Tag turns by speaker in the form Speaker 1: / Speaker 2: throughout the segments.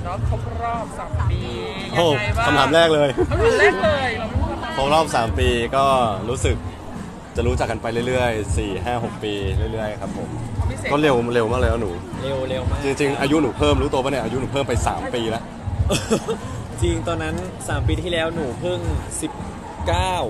Speaker 1: เนาะครบรอบ3 ปียั
Speaker 2: โอ้
Speaker 1: งไงบ้าง
Speaker 2: คำถามแรกเลย
Speaker 1: คำถามแรกเลยเราไม่รู้
Speaker 2: ครบรอบ 3 ปีก็รู้สึกจะรู้จักกันไปเรื่อยๆ 4 5 6 ปีเรื่อยๆครับผม
Speaker 1: ความพิเศษ
Speaker 2: ก็เร็วมากเลยนะหนู
Speaker 3: เร็วมาก
Speaker 2: จริงๆ อายุหนูเพิ่มรู้ตัวปะเนี่ยอายุหนูเพิ่มไป 3 ปีแล้ว
Speaker 3: จริงตอนนั้น 3 ปีที่แล้วหนูเพิ่ง 19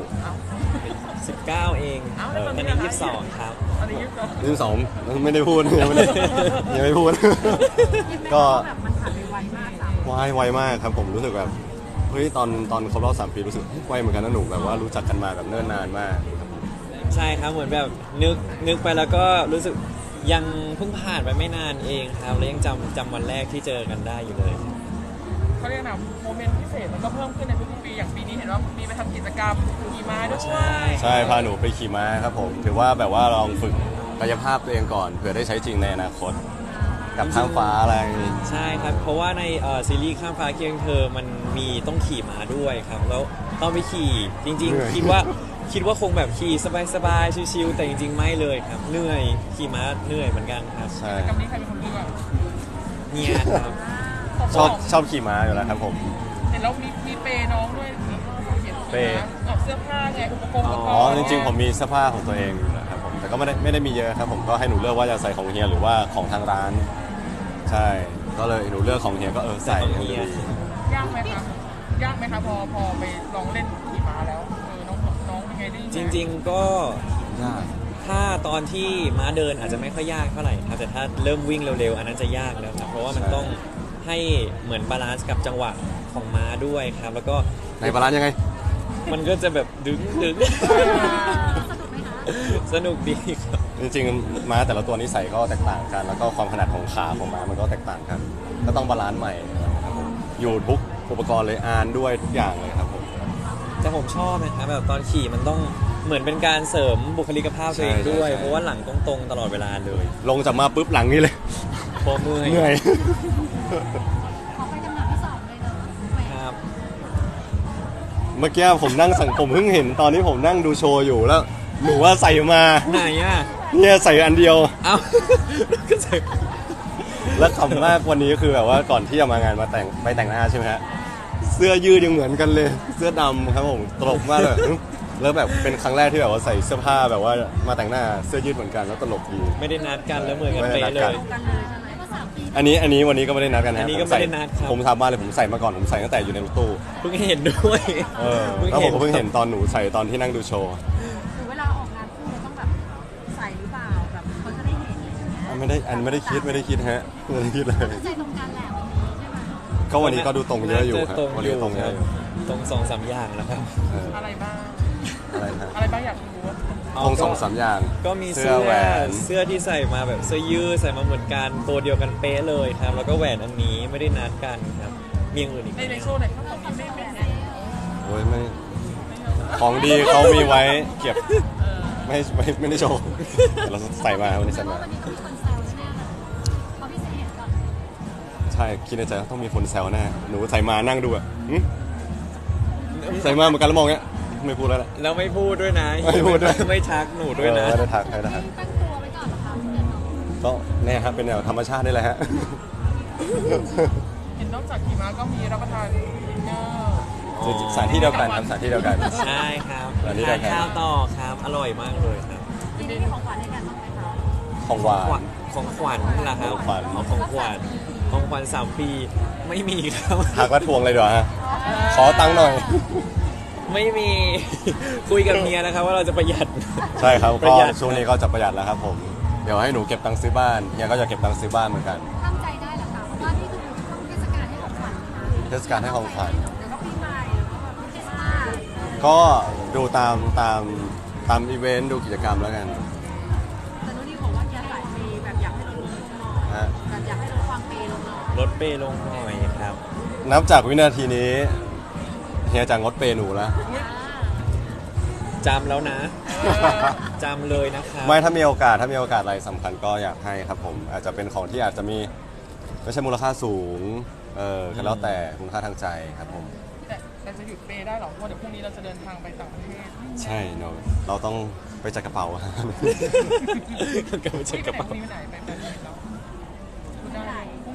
Speaker 3: 19 เองตอนนี้22 ครับ
Speaker 1: อันนี้ก็
Speaker 2: 22ไม่ได้พูด ยังไม่พูด ก็
Speaker 4: แบบมันผ่านไปไวมากค่ะ
Speaker 2: ไวมากครับผมรู้สึกแบบเฮ้ยตอนครบรอบ3 ปีรู้สึกไวเหมือนกันนะหนูแบบว่ารู้จักกันมาแบบเนิ่นนานมากครับผม
Speaker 3: ใช่ครับเหมือนแบบนึกไปแล้วก็รู้สึกยังเพิ่งผ่านไปไม่นานเองครับแล้วยังจำวันแรกที่เจอกันได้อยู่เลย
Speaker 1: เขาเรียกนะโมเมนต์พิเศษมันก็เพิ่มขึ้นในทุกๆปีอย่างปีนี้เห็นว่ามีไปทำกิจกรรมขี่ม้าด้วย
Speaker 2: ใช่พาหนูไปขี่ม้าครับผมถือว่าแบบว่าลองฝึกกายภาพตัวเองก่อนเผื่อได้ใช้จริงในอนาคตกับข้ามฟ้าอะไร
Speaker 3: ใช่ครับเพราะว่าในซีรีส์ข้ามฟ้าเคียงเธอมันมีต้องขี่ม้าด้วยครับแล้วต้องไปขี่จริงๆ คิดว่าคงแบบขี่สบายๆชิวๆแต่จริงๆไม่เลยครับเหนื่อยขี่ม้าเหนื่อยเหมือนกันครับ
Speaker 2: ใช่
Speaker 1: กิจกรรมนี้ใครเป็นคนเลือก
Speaker 3: เนี่ยครับ
Speaker 2: ชอบขี่ม้าอยู่แล้วครับผม
Speaker 1: เห็นแล้วมีเปย์น้องด้วยเปย์เสื้อผ้าไงอุปกรณ์
Speaker 2: อ๋อจริงๆผมมีเสื้อผ้าของตัวเองอยู่แล้วครับผมแต่ก็ไม่ได้มีเยอะครับผมก็ให้หนูเลือกว่าจะใส่ของเฮียหรือว่าของทางร้าน ใช่ก็เลยหนูเลือกของเฮียก็ใส่
Speaker 3: ของเฮีย
Speaker 1: ยากไหมคะยากไหมคะพอไปลองเล่นขี่ม้าแล้วน้องเป็นไงได้
Speaker 3: จริงๆก็
Speaker 2: ยาก
Speaker 3: ถ้าตอนที่ม้าเดินอาจจะไม่ค่อยยากเท่าไหร่ครับแต่ถ้าเริ่มวิ่งเร็วๆอันนั้นจะยากแล้วครับเพราะว่ามันต้องให้เหมือนบาลานซ์กับจังหวะของม้าด้วยครับแล้วก็
Speaker 2: ในบาลานซ์ยังไง
Speaker 3: มันก็จะแบบดึง สนุกดีครับ
Speaker 2: จริงๆม้าแต่ละตัวนิสัยก็แตกต่างกัน แล้วก็ความถนัดของขาของม้ามันก็แตกต่างกันก็ต้องบาลานซ์ใหม่นะครับผมอยู่ทุกอุปกรณ์เลยอานด้วยทุกอย่างเลยครับผม
Speaker 3: แต่ผมชอบนะครับแบบตอนขี่มันต้องเหมือนเป็นการเสริมบุคลิกภาพตัวเองด้วย เพราะว่าหลังตรงๆตลอดเวลาเลย
Speaker 2: ลงจากมาปุ๊บหลังนี่เลย
Speaker 3: เพราะเมื่อย
Speaker 2: เหนื่อย
Speaker 4: ขอไปจำหน่ายที่2เลยเนาะ
Speaker 3: ครับ
Speaker 2: เมื่อกี้ผมผมเพิ่งเห็นตอนที่ผมนั่งดูโชว์อยู่แล้วหนูว่าใส่มา
Speaker 3: ไหนอ่ะ
Speaker 2: เนี่ยใส่อันเดียว
Speaker 3: เอ้าก็ใส่
Speaker 2: แล้วขำมากวันนี้คือแบบว่าก่อนที่จะมางานมาไปแต่งหน้าใช่ไหมฮะเสื้อยืดยังเหมือนกันเลยเสื้อดำครับผมตลกมากเลยแล้วแบบเป็นครั้งแรกที่แบบว่าใส่เสื้อผ้าแบบว่ามาแต่งหน้าเสื้อยืดเหมือนกันแล้วตลกดี
Speaker 3: ไม่ได้นัดกันแล้วเหมือนกันเป๊ะเลย
Speaker 4: กันเลยใช่ไหมก็3 ปี
Speaker 2: อันนี้วันนี้ก็ไม่ได้นัดกันนะ
Speaker 3: อันนี้ก็ไม่ได้นัดครับ
Speaker 2: ผมทำบ้านเลยผมใส่มาก่อนผมใส่ตั้งแต่อยู่ในรถตู้
Speaker 3: เพิ่งเห็นด้วย
Speaker 2: แล้วผมก็เพิ่งเห็นตอนหนูใส่ตอนที่นั่งดูโชว์
Speaker 4: หรือเวลาออกงานคู่เราต้องแบบใส่หรือเปล่าแบบเขาจะได้เห็นอย่างเงี้ย
Speaker 2: ไม่ได้คิดฮะไม่ได้คิดเลย
Speaker 4: ใจตรงกันแหละวันนี้ใช่ไหม
Speaker 2: ก็วันนี้ก็ดูตรงเยอะอยู่ครับ
Speaker 3: ตรง
Speaker 2: วัน
Speaker 3: อ
Speaker 2: นี้
Speaker 3: ยู่
Speaker 2: ตรงเยอะอยู่
Speaker 3: ตรง2-3 อย่างแล้วครับ
Speaker 2: เออ
Speaker 1: อะไรบ้าง
Speaker 2: อะไรนะ
Speaker 1: อะไรบ้างอยากรู้
Speaker 2: ตรง2-3อย่าง
Speaker 3: ก็มี
Speaker 2: เสื้
Speaker 3: เสื้
Speaker 2: อ
Speaker 3: อ
Speaker 2: แหวน
Speaker 3: เสื้อที่ใส่มาแบบเสื้อยืดใส่มาเหมือนกันตัวเดียวกันเป๊ะเลยครับ แล้วก็แหวนอันนี้ไม่ได้นัดกันครับมีอย่างอื่นอีกไหม
Speaker 1: ในโชว์ไหนข้างของนี้ไม่
Speaker 2: โอ้ยไม่ของดีเขามีไว้เก็บไม่ได้โชว์เราใส่มาวันนี้ใส่มา
Speaker 4: วันนี้ต้องมีคนแซวแน่เลยเพราะพี่เสกเห็นก่อน
Speaker 2: ใช่คิดในใจว่าต้องมีคนแซวแน่หนูใส่มานั่งดูอ่ะหึใส่มาเหมือนกันแล้วมองเงี้ยไม่พูดแล้วแหละ
Speaker 3: แล้วไม่พูดด้วยนะ
Speaker 2: ไม่พูดด้วย
Speaker 3: ไม่ทักหนูด้วยนะ
Speaker 2: ไม่ได้ทักไม่ได้ทัก
Speaker 4: ตั้งตัวไว้ก่อนเหรอคะเดี๋ยวน้อง
Speaker 2: ก็แน่ครับเป็นแนวธรรมชาตินี่แหละฮะ
Speaker 1: เห็นนอกจากขี่ม้าก็มีรับประทานดินเนอร์
Speaker 2: สถานที่เดียวกันครับสถานที่เดียวกัน
Speaker 3: ใช่ครับ
Speaker 2: อันนี้
Speaker 3: ทาน
Speaker 2: ได้ครับ
Speaker 3: ข้าวต่อครับอร่อยมากเลยครับ
Speaker 4: ทีนี้มีของขวัญให้กันบ้างไหมคะ
Speaker 2: ของหวาน
Speaker 3: ของขวัญล่ะครับ
Speaker 2: ของขวัญ
Speaker 3: ของขวัญ3 ปีไม่มีครับ
Speaker 2: หักว่าทวงเลยเดี๋ยวฮะขอตังค์หน่อย
Speaker 3: ไม่มี คุยกับเมียนะครับว่าเราจะประหยัด
Speaker 2: ใช่ครับ
Speaker 3: ป
Speaker 2: ก็
Speaker 3: ระหยัด
Speaker 2: ช่วงนี้ก็จะประหยัดแล้วครับผมเดี๋ยวให้หนูเก็บตังค์ซื้อบ้านเฮียก็จะเก็บตังค์ซื้อบ้านเหมือนกัน
Speaker 4: ตั้งใจได้เหรอคะเพราะว่านี่คือช่วงเทศกาลให้ของขวัญนะคะ
Speaker 2: เทศกาลให้ของขวัญ
Speaker 4: เดี๋ยวก็ปีใหม่แล้วก็แบบคริสต์มาส
Speaker 2: ก็ดูตามอีเวนต์ดูกิจกรรมแล้วกัน
Speaker 4: แต่นุ้นนี่บอกว่าอยากหลายปีแบบอยากให้ลดลงหน่อย
Speaker 2: ฮะ
Speaker 4: แบบอยากให้ลดความเปย์ลงหน่อย
Speaker 3: ลดเปย์ลงหน่อยครับ
Speaker 2: นับจากวินาทีนี้เฮียจะงดเปย์หนูแล้ว
Speaker 3: จำแล้วนะจำเลยนะครับ
Speaker 2: ไม่ถ้ามีโอกาสอะไรสำคัญก็อยากให้ครับผมอาจจะเป็นของที่อาจจะมีไม่ใช่มูลค่าสูงก็แล้วแต่คุณค่าทางใจครับผม
Speaker 1: แต่จะหยุดเปย์ได้หรอเพราะเดี๋ยวพรุ่งนี้เราจะเดินทางไปต่างประเทศ
Speaker 2: ใช่เนอะเราต้องไปจัดกระเป๋า
Speaker 3: ก็ไม่ใช่กระเป๋า
Speaker 1: พรุ่งนี้ไปไหนไปไหนแล้วคุณได้พรุ่ง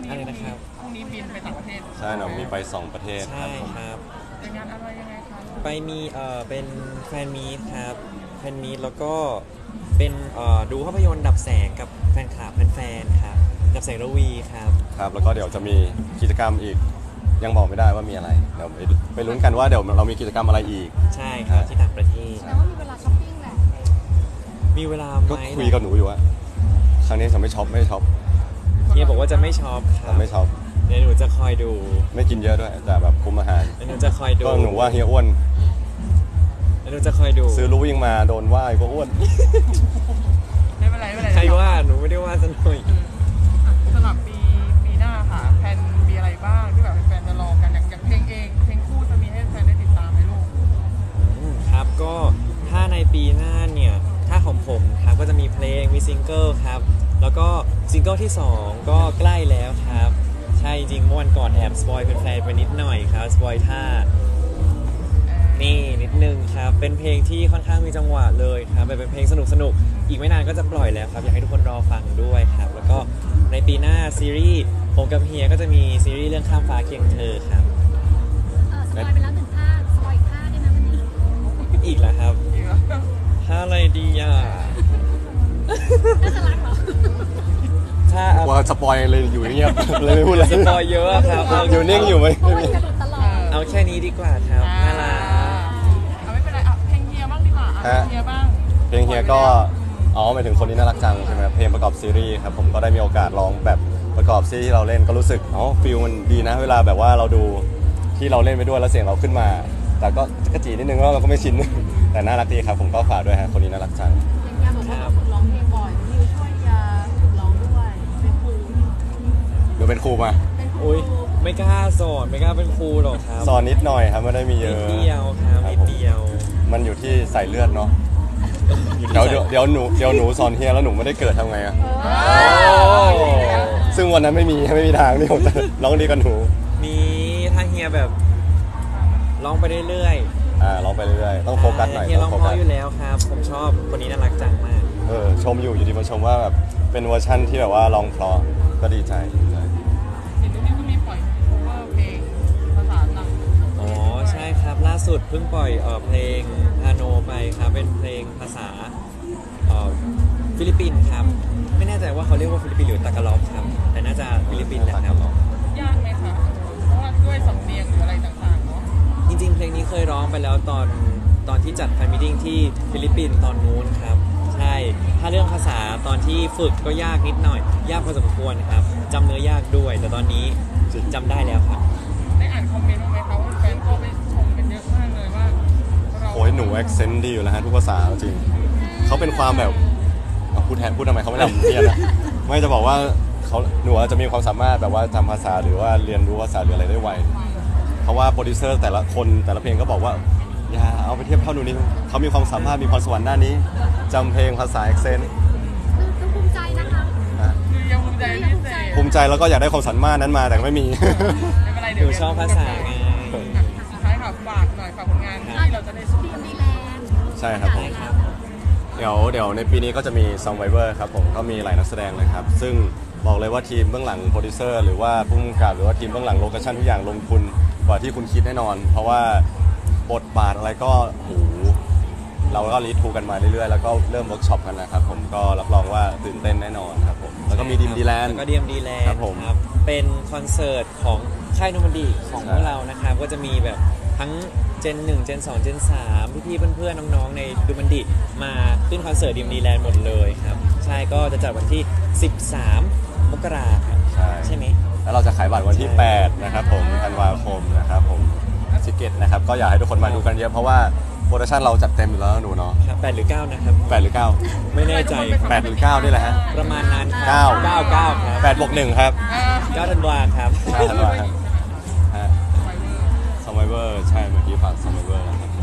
Speaker 1: นี้
Speaker 3: อะไรนะครับ
Speaker 1: พรุ่งนี้บินไปต่างประเทศ
Speaker 2: ใช่หนูมีไป 2 ประเทศค
Speaker 3: ใช่
Speaker 2: รับผม
Speaker 3: ครับ
Speaker 1: เป็นงานอะไรยังไงคะ
Speaker 3: ไปมีเป็นแฟนมีตครับแฟนมีตแล้วก็เป็นดูภาพยนตร์ดับแสงกับแฟนคลับแฟนๆครับดับแสงระวีครับ
Speaker 2: ครับแล้วก็เดี๋ยวจะมีกิจกรรมอีก ยังบอกไม่ได้ว่ามีอะไรเดี๋ยวไปลุ้นกันว่าเดี๋ยวเรามีกิจกรรมอะไรอีก
Speaker 3: ใช่ครับที่ต่างประเทศ
Speaker 4: แต่ว่ามีเวลาช้อปปิ้งแหละ
Speaker 3: มีเวลา
Speaker 2: ก็
Speaker 3: ไหม
Speaker 2: คุยกับหนูอยู่ว่าครั้งนี้จะไม่ช็อปไม่ช็อป
Speaker 3: เฮียบอกว่าจะไม่ช็อปครั
Speaker 2: จะ
Speaker 3: บ
Speaker 2: ไม่ช็อป
Speaker 3: เดี๋ยวหนูจะคอยดู
Speaker 2: ไม่กินเยอะด้วยแต่แบบคุมอาหาร
Speaker 3: เดี๋ยวหนูจะคอยดู
Speaker 2: ก็หนูว่าเฮียอ้วน
Speaker 3: เดี๋ยวหนูจะคอยดู
Speaker 2: ซื้อรู้ยิ่งมาโดนว่าก็อ้วน
Speaker 1: ไม่เป็นไรไม่เป็นไร
Speaker 3: ใครว่าหนูไม่ได้ว่าสักหน่อย
Speaker 1: สำหรับปีหน้าค่ะแฟนมีอะไรบ้างที่แบบแฟนจะรอกันอย่างเพลงเองเพลงคู่จะมีให้แฟนได้ติดตามไหมลูก
Speaker 3: ครับก็ถ้าในปีหน้าเนี่ยถ้าของผมครับก็จะมีเพลงมีซิงเกิลครับแล้วก็ซิงเกิลที่ 2 ก็ใกล้แล้วครับใช่จริงๆเมื่อวันก่อนแอบสปอยเป็นแฟนๆไปนิดหน่อยครับสปอยท่านี่นิดนึงครับเป็นเพลงที่ค่อนข้างมีจังหวะเลยครับเป็นเพลงสนุกๆอีกไม่นานก็จะปล่อยแล้วครับอยากให้ทุกคนรอฟังด้วยครับแล้วก็ในปีหน้าซีรีส์ผมกับเฮียก็จะมีซีรีส์เรื่องข้ามฟ้าเคียงเธอครับ
Speaker 4: สปอยไปแล้ว1 ท่าสปอยอีกท่าได้ไหมวันนี้
Speaker 3: อีกแล้วครับ
Speaker 1: จริงเหรอ
Speaker 3: ท่าอะไรดีอ่ะ
Speaker 4: น่าจะรักเหรอ
Speaker 3: ถ้า
Speaker 2: ว่าสปอยเลยอยู่เงียบ เลยไม่พูดอะไร
Speaker 3: สปอยเยอะครับ
Speaker 2: อยู่นิ่งอยู่ไหม
Speaker 4: เพราะว่าจะหลุดตลอด
Speaker 3: เอาแค่นี้ดีกว่าครับน่ารัก
Speaker 1: เอาไม่เป็นไรเอาเพลงเฮียบ้างดีกว่าเอาเพลงเฮียบ้าง
Speaker 2: เพลงเฮียก็อ๋อหมายถึงคนนี้น่ารักจังใช่ไหมครับเพลงประกอบซีรีส์ครับผมก็ได้มีโอกาสร้องแบบประกอบซีรีส์ที่เราเล่นก็รู้สึกอ๋อฟิลมันดีนะ เวลาแบบว่าเราดูที่เราเล่นไปด้วยแล้วเสียงเราขึ้นมา แต่ก็กระจีนิดนึงว่าเราก็ไม่ชิน แต่น่ารักดีครับผมก็ฝากด้วยฮะคนนี้น่ารักจัง
Speaker 4: อย่างเงี้ยบอกว่าเราฝึกร้องเพลงบ่อยนิวช่วยจะฝึกร้องด้วยเป็นครู
Speaker 2: เดี๋ยวเป็นครูมา
Speaker 4: เป็นครู
Speaker 3: อุ้ยไม่กล้าสอนไม่กล้าเป็นครูหรอกครับ
Speaker 2: สอนนิดหน่อยครับไม่ได้มีเย
Speaker 3: นิ
Speaker 2: อะ
Speaker 3: ดเดียวครับนิดเดียว
Speaker 2: มันอยู่ที่ใส่เลือดเนาะ
Speaker 3: อยู่ที่
Speaker 2: เดี๋ยวหนูสอนเฮียแล้วหนูไม่ได้เกิดทำไงอะ
Speaker 3: โอ้
Speaker 2: ซึ่งวันนั้นไม่มีทางที่ผมจะร้องดีกับหนู
Speaker 3: มีถ้าเฮียแบบร้องไปเรื่อย
Speaker 2: ร้องไปเรื่อยๆต้องโฟกัสหน่อย
Speaker 3: เฮียร้
Speaker 2: ต้
Speaker 3: อ
Speaker 2: อง ง
Speaker 3: เพ
Speaker 2: โฟกั
Speaker 3: ราะ
Speaker 2: ส
Speaker 3: อยู่แล้วครับ ผมชอบคนนี้น่ารักจังมาก
Speaker 2: ชมอยู่ดีมาชมว่าแบบเป็นเวอร์ชั่นที่แบบว่าร้องเพราะก็ดีใจ
Speaker 1: เห็นตรงนี้ก็มีปล่อย cover เพลงภาษาต่าง
Speaker 3: อ๋อใช่ครับล่าสุดเพิ่งปล่อยเพลงฮาโนไปครับเป็นเพลงภาษาฟิลิปปินส์ครับไม่แน่ใจว่าเขาเรียกว่าฟิลิปปินส์หรือตากาล็อกครับแต่น่าจะฟิลิปปินส์แหละครับ
Speaker 1: ยากไหมคะเพราะว่าด้วยสำเนียงหรืออะไรต่างๆเนาะ
Speaker 3: จริงๆ เพลงนี้เคยร้องไปแล้วตอนที่จัดแฟนมิทติ้งที่ฟิลิปปินส์ตอนนู้นครับใช่ถ้าเรื่องภาษาตอนที่ฝึกก็ยากนิดหน่อย ยากพอสมควรครับจำเนื้อยากด้วย แต่ตอนนี้จำได้แล้วครับ
Speaker 1: ได้อ่านคอมเมนต์บ้างไหมคะว่าแฟนก็ไปชมกันเยอะมากเลยว่าเรา
Speaker 2: โอ้ยหนูแอคเซนต์ดีอยู่แล้วฮะทุกภาษาจริงเขาเป็นความแบบเอาพูดทำไมเขาไม่ทำเรียนนะไม่จะบอกว่าหนูอาจจะมีความสามารถแบบว่าจำภาษาหรือว่าเรียนรู้ภาษาหรืออะไรได้ไวเพราะว่าโปรดิวเซอร์แต่ละคนแต่ละเพลงก็บอกว่าอย่าเอาไปเทียบเท่าหนูนี่เขามีความสามารถมีพรสวรรค์ด้านนี้จำเพลงภาษาแอคเซนต์
Speaker 4: คือภูมิใจนะคะ
Speaker 1: คือยังภูมิใจเป็นพิเศษ
Speaker 2: ภูมิใจแล้วก็อยากได้ความสามารถนั้นมาแต่ไม่มี
Speaker 1: ไม่เป็นไร
Speaker 3: ห
Speaker 1: เดี๋ย
Speaker 3: นู
Speaker 1: ว
Speaker 3: ชอบภาษาไง
Speaker 1: สุดท้ายค่ะฝากหน่อยฝากผลงานที่เราจะได้ชม
Speaker 4: ดีมดีแลนด์
Speaker 2: ใช่ครับผม
Speaker 3: ครับ
Speaker 2: เดี๋ยวในปีนี้ก็จะมี Survivor ครับผมก็มีหลายนักแสดงเลยครับ ซึ่งบอกเลยว่าทีมเบื้องหลังโปรดิวเซอร์หรือว่าผู้กำกับหรือว่าทีมเบื้องหลังโลเคชั่นทุกอย่างลงทุนกว่าที่คุณคิดแน่นอน เพราะว่าบทบาทอะไรก็โหเราก็รีทูกันมาเรื่อยๆ แล้วก็เริ่มเวิร์กช็อปกันนะครับผมก็รับรองว่าตื่นเต้นแน่นอนครับผมแล้วก็มีดีมดีแลนด์
Speaker 3: แล้วก็ดีมดีแลนด์
Speaker 2: ครับผม
Speaker 3: เป็นคอนเสิร์ตของค่ายโนมันดีของ
Speaker 2: ใช่
Speaker 3: พวกเรานะครับก็จะมีแบบทั้งเจน1เจน2เจน3พี่ๆเพื่อนๆน้องๆในดูมันดีมาขึ้นคอนเสิร์ตดีมดีแลนด์หมดเลยครับใช่ก็จะจัดวันที่ 13 มกราครับ ใช่ไหม
Speaker 2: แล้วเราจะขายบัตรวันที่ 8 นะครับผมธันวาคมนะครับผมซิกเก็ตนะครับก็อยากให้ทุกคนมาดูกันเยอะเพราะว่าโปรดักชั่นเราจัดเต็มอยู่แล้วหนูเนาะ
Speaker 3: ครับ8หรือ9นะครับ
Speaker 2: 8 หรือ 9
Speaker 3: ไม่แน่ใจ
Speaker 2: 8 หรือ 9 นี่แหละฮะ
Speaker 3: ประมาณนั้นครั
Speaker 2: เก้า
Speaker 3: 9ครับ
Speaker 2: 8 บวก 1 ครับ
Speaker 3: 9ธันวาครับ
Speaker 2: 9 ธันวาครับฮะ Survivor ใช่เมื่อกี้ฝาก Survivor นะครับ